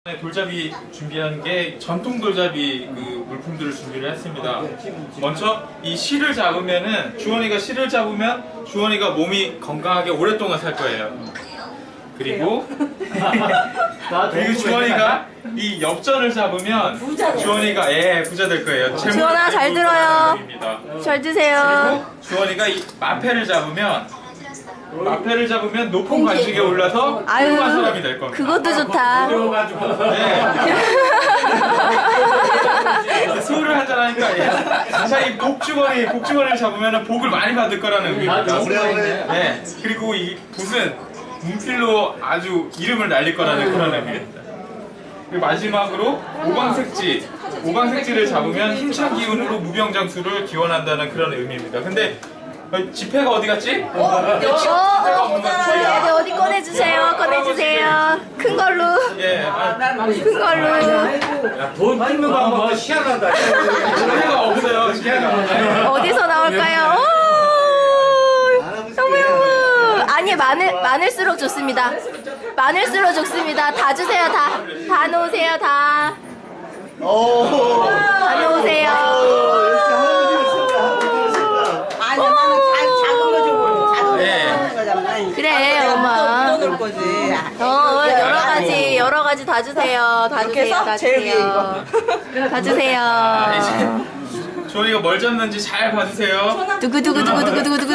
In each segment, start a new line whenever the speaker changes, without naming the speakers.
돌잡이 준비한 게 전통 돌잡이 그 물품들을 준비를 했습니다. 먼저 이 실을 잡으면은 주원이가 실을 잡으면 주원이가 몸이 건강하게 오랫동안 살 거예요. 그리고 주원이가 이 엽전을 잡으면 주원이가 부자 될 거예요.
주원아 잘 들어요. 잘 드세요.
그리고 주원이가 이 마패를 잡으면 높은 관직에 올라서 훌륭한 사람이 될 겁니다.
그것도 좋다.
술을 한잔하니까 자, 이 복주머니를 잡으면 복을 많이 받을 거라는 의미입니다. 네. 그리고 이 붓은 문필로 아주 이름을 날릴 거라는 그런 의미입니다. 그리고 마지막으로 오광색지를 잡으면 힘찬 기운으로 무병장수를 기원한다는 그런 의미입니다. 근데 지폐가 어디 갔지?
어디 꺼내주세요. 꺼내주세요. 큰 걸로. 큰 걸로.
돈 끊는 방법은 희한하다.
지폐가 없어요. 지폐가.
어디서 나올까요? 너무 아니 많을수록 좋습니다. 많을수록 좋습니다. 다 주세요. 다 놓으세요. 다 놓으세요. 그래 엄마. 여러 가지 다 주세요. 다 주세요. 다 주세요. 다 주세요.
주원이가 뭘 잡는지 잘 봐주세요.
두구두구두구두구두구두구두구.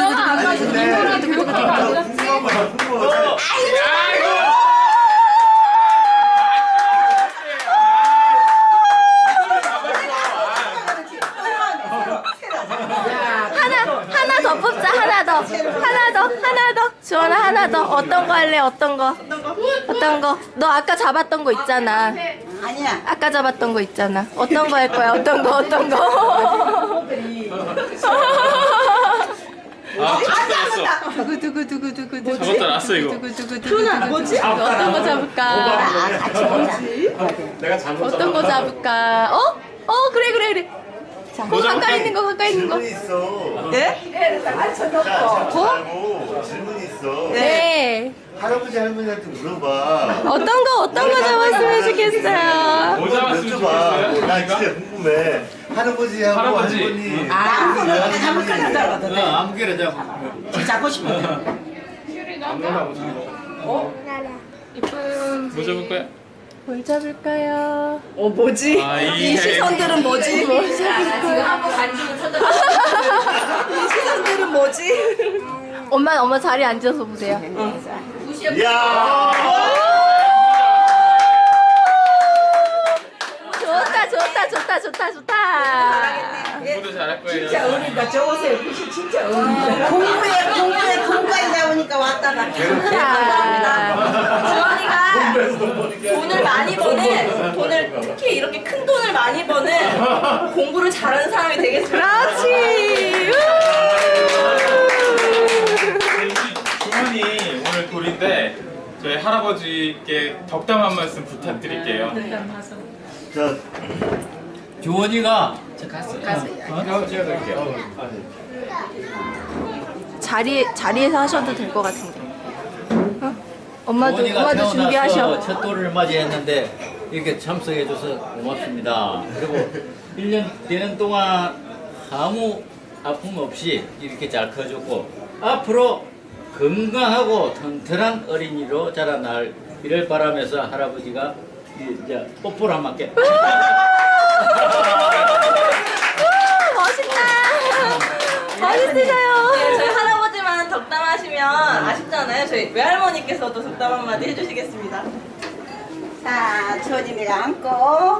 하나 더 뽑자. 하나 더. 주원아 하나 더. 어떤 거 할래? 어떤 거? 너 아까 잡았던 거 있잖아.
아니야.
아까 잡았던 거 있잖아. 어떤 거 할 거야? 어떤 거? 두구두구두구두구.
잡았다 놨어 이거.
뭐지? 어떤 거 잡을까?
내가 잘못
어떤 거 잡을까? 그래.
뭐
가까이 있는 거.
질문이 있어.
네?
질문이 있어.
네.
할아버지 할머니한테 물어봐.
어떤 거 잡았으면 좋겠어요.
뭐 잡았으면 좋겠어요?
나 진짜 궁금해. 할아버지하고
할아버지.
할머니.
아무개나 잡아.
잡고 싶어.
뭐 잡을 거야?
뭘 잡을까요?
뭐지?
이
시선들은 뭐지? 이 시선들은 뭐지?
엄마 자리에 앉아서 보세요.
야.
좋다.
공부도 잘할 거예요.
진짜 어린다. 저거세요. 글씨 진짜 어린다. 공부에 나오니까 왔다가.
주원이가 돈을 많이 버는, 특히 이렇게 큰 돈을 많이 버는 공부를 잘하는 사람이 되겠습니다.
그렇지.
주원이 오늘 돌인데 저희 할아버지께 덕담 한 말씀 부탁드릴게요.
자,
주원이가
자리에서 하셔도 될 것 같은데. 엄마도
태어나서
준비하셔.
첫 돌을 맞이했는데 이렇게 참석해줘서 고맙습니다. 그리고 1년 되는 동안 아무 아픔 없이 이렇게 잘 커졌고 앞으로 건강하고 튼튼한 어린이로 자라날 이를 바라면서 할아버지가 이제 뽀뽀를 한 맞게.
멋있으셔요.
저희 할아버지만 덕담하시면 아쉽잖아요. 저희 외할머니께서도 덕담 한마디 해주시겠습니다.
자, 조진이가 앉고.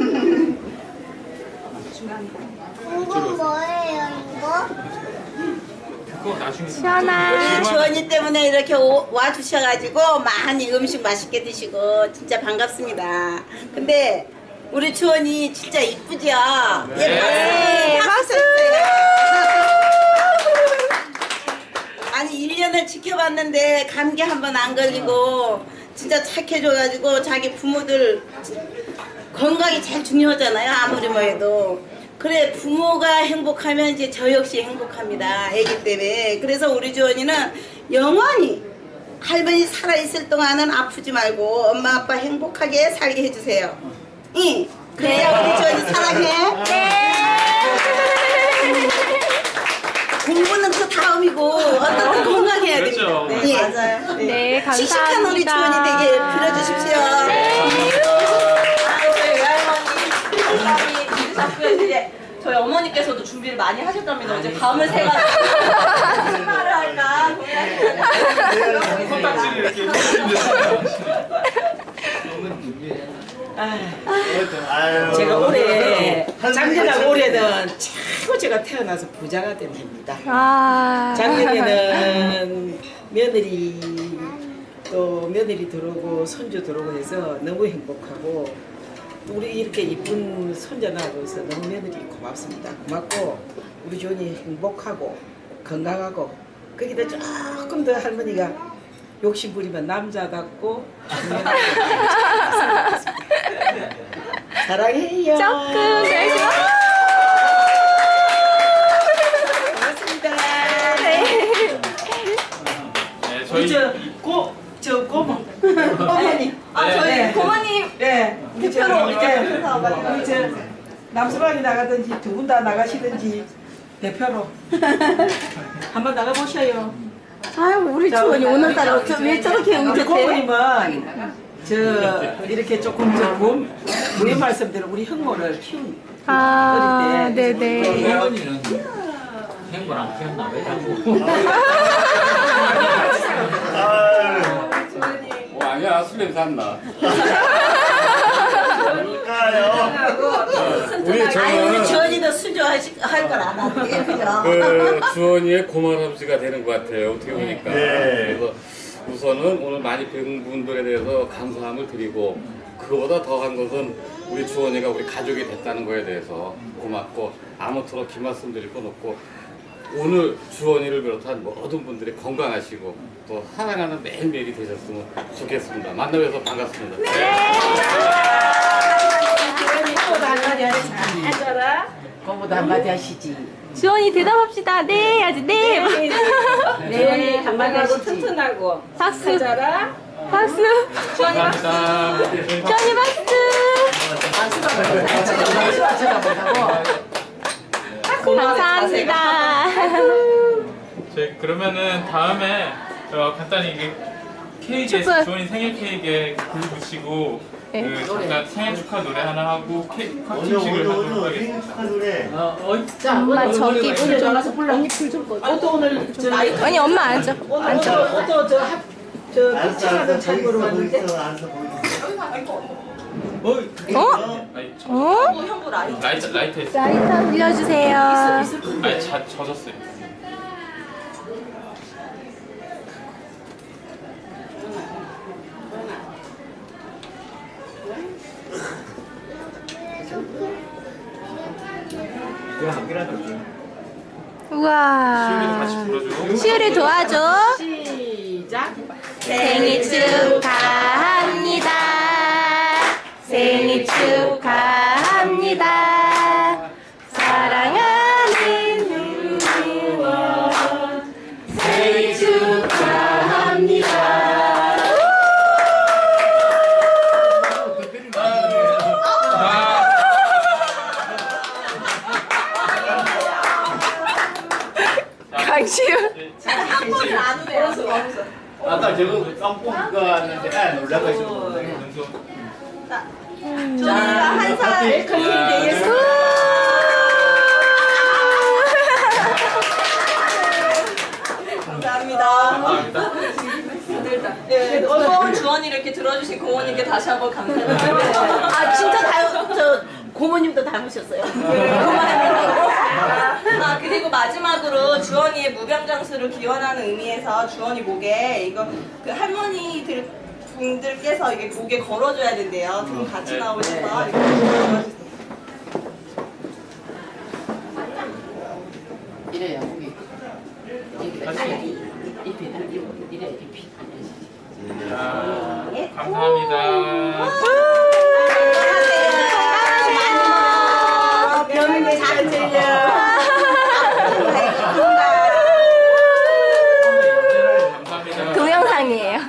이건 뭐예요, 이거?
그거 나중에.
시원아.
주원이 때문에 이렇게 와주셔가지고 많이 음식 맛있게 드시고 진짜 반갑습니다. 근데 우리 주원이 진짜 이쁘죠?
네, 박수.
아니 1년을 지켜봤는데 감기 한 번 안 걸리고 진짜 착해져가지고 자기 부모들 건강이 제일 중요하잖아요. 아무리 뭐 해도. 그래 부모가 행복하면 이제 저 역시 행복합니다. 애기 때문에. 그래서 우리 주원이는 영원히 할머니 살아있을 동안은 아프지 말고 엄마 아빠 행복하게 살게 해주세요. 응. 그래야 우리 주원이 사랑해. 공부는 그 다음이고 어떤 건강해야
그렇죠.
됩니다. 네. 맞아요.
네, 감사합니다.
씩씩한 우리 주원이 되게 빌어주십시오.
저희 외할머니 공감이 늦으셨고요. 이제 저희 어머니께서도 준비를 많이 하셨답니다. 어제 밤을 새가지고 무슨 말을 할까 고민하셨는데
콩딱지를 이렇게 해주시는데.
아유.
제가 올해
할머니
작년하고
참-
올해는 최고 제가 태어나서 부자가 된 해입니다.
아.
작년에는 며느리 또 며느리 들어오고 손주 들어오고 해서 너무 행복하고 우리 이렇게 이쁜 손자 낳아줘서 너무 며느리 고맙습니다. 고맙고 우리 주원이 행복하고 건강하고 거기다 조금 더 할머니가 욕심 부리면 남자답고 사랑해요.
조금 열심히.
고맙습니다.
네, 저희
저 고모.
어머니 저희
네.
고모님
네.
대표로 이제 회사
우리 저 남수방이 나가든지 두 분 다 나가시든지 대표로 한번 나가보셔요.
아유, 우리 주원이 오늘따라 왜 저렇게
우리
의젓해?
고모님은 저 이렇게 조금 왜 말씀대로 우리 형모를 키운
아,
어릴 때
네네.
할머니는 행복 안 키웠나 왜 자꾸?
아니야 술 냄새 안 나. 우리
아니 우리
저는
주원이도 수조할 걸 안 하는데 그죠?
그 주원이의 고마람씨가 되는 것 같아요. 어떻게 보니까.
네.
그래서 우선은 오늘 많이 뵌 분들에 대해서 감사함을 드리고 그거보다 더한 것은 우리 주원이가 우리 가족이 됐다는 거에 대해서 고맙고 아무쪼록 긴 말씀 드릴 건 없고 오늘 주원이를 비롯한 모든 분들이 건강하시고 또 사랑하는 매일매일이 되셨으면 좋겠습니다. 만나뵈서 반갑습니다.
고모도 한마디 하시지. 고모도 한마디 하시지.
주원이 대답합시다. 네, 해야지. 네.
네, 한마디 하시지. 튼튼하고
박수.
하자라.
박수.
감사합니다.
주원이 박수. 감사합니다.
저희 그러면은 다음에 간단히 이게 케이크에
축하.
주원이 생일 케이크에 불 붙이고
네.
그 잠깐 생일 축하 노래 하나 하고 케이크
오늘
컷팅식을 하도록
생일
하겠습니다.
축하 노래.
엄마 저기
오늘 전화서 불러. 언니 불좀 꺼. 또 오늘 저
아니 엄마 앉아.
오늘 저저 피칭하는 참고로 왔는데.
앉아서
어?
아니,
어?
형부 라이
라이터 있어.
라이터 빌려주세요.
아니 젖었어요. 시윤이도 같이
우와.
불러주고.
시우리 도와줘.
시작.
생일 축하합니다. 생일 축하합니다. 사랑하는 누원 생일 축하합니다. 강시우.
한번을 안 오네요.
아까 저거 깜뽕가 왔는데 놀라가지고.
저희가 한 살 감사합니다. 네, 무거운 주원이를 이렇게 들어주신 고모님께 다시 한번 감사드립니다.
아 진짜 저 고모님도 닮으셨어요.
아 그리고 마지막으로 주원이의 무병장수를 기원하는 의미에서 주원이 목에 이거 그 할머니들 분들께서 이게 목에 걸어줘야 된대요. 두 분 같이 나오셔서 이렇게 걸어주세요.
이래야 우리 잎이 이래 잎이.
감사합니다.
병원에 잘 들려.
감사합니다.
동영상이에요.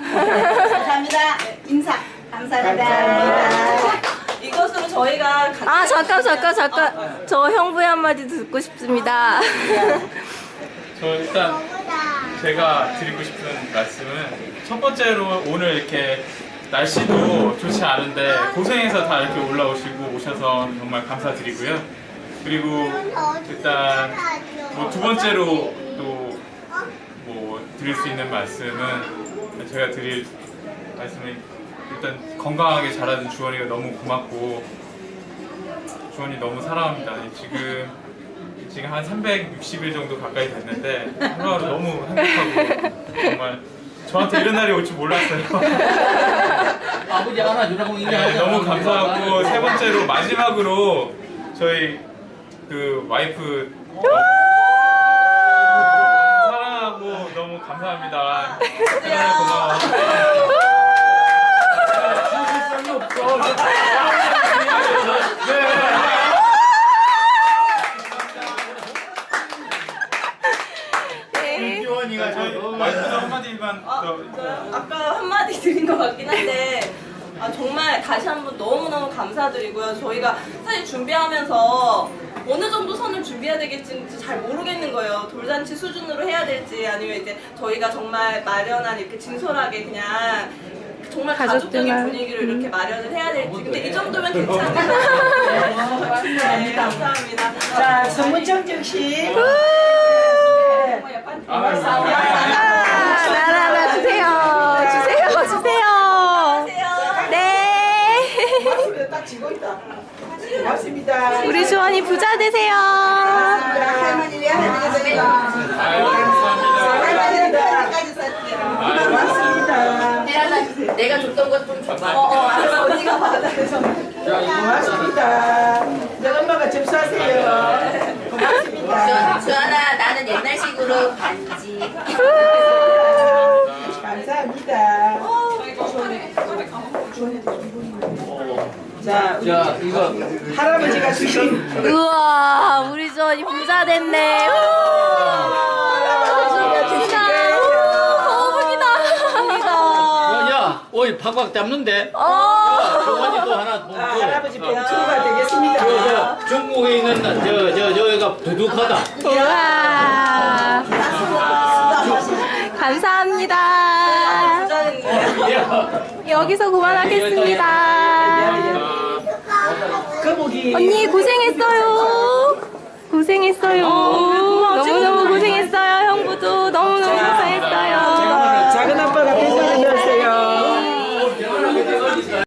저희가
아 잠깐 저 형부의 한마디 듣고 싶습니다.
저 일단 제가 드리고 싶은 말씀은 첫 번째로 오늘 이렇게 날씨도 좋지 않은데 고생해서 다 이렇게 올라오시고 오셔서 정말 감사드리고요. 그리고 일단 뭐 두 번째로 또 뭐 드릴 수 있는 말씀은 제가 드릴 말씀은 일단 건강하게 자라준 주원이가 너무 고맙고 주원이 너무 사랑합니다. 지금 한 360일 정도 가까이 됐는데 하루하루 너무 행복하고 정말 저한테 이런 날이 올 줄 몰랐어요.
아버지 안아주라고
네, 너무 감사하고 세 번째로 마지막으로 저희 그 와이프 사랑하고 너무 감사합니다. 사랑해 고마워.
주원이가
저희 와이프도 한마디만 더.
아까 한마디 드린 것 같긴 한데 정말 다시 한번 너무너무 감사드리고요. 저희가 사실 준비하면서 어느 정도 선을 준비해야 될지 잘 모르겠는 거예요. 돌잔치 수준으로 해야 될지 아니면 이제 저희가 정말 마련한 이렇게 진솔하게 그냥 정말 가족적인
가족들만.
분위기로 이렇게 마련을 해야 될지. 근데 이 정도면 괜찮아요. 네, 감사합니다.
자, 선문정 씨.
나라 주세요. 네.
딱 지고 있다. 고맙습니다.
우리 주원이 부자 되세요.
할머니 왜 하는
아유, 감사합니다.
고맙습니다.
내가 줬던 것 좀 줘봐.
언니가 받아서.
고맙습니다. 내 엄마가 접수하세요. 고맙습니다.
주원아, 나는 옛날식으로 반지.
감사합니다. 자,
자 이거
할아버지가 주신
우와, 우리 주원이 부자 됐네.
야 오이 팍팍 잡는데 조원이도 하나 돈 줘.
할아버지 봉투가 되겠습니다.
저 중국에 있는 저가 두둑하다.
우와. 감사합니다. 여기서 그만하겠습니다.
거북이
언니 고생했어요. 고생했어요.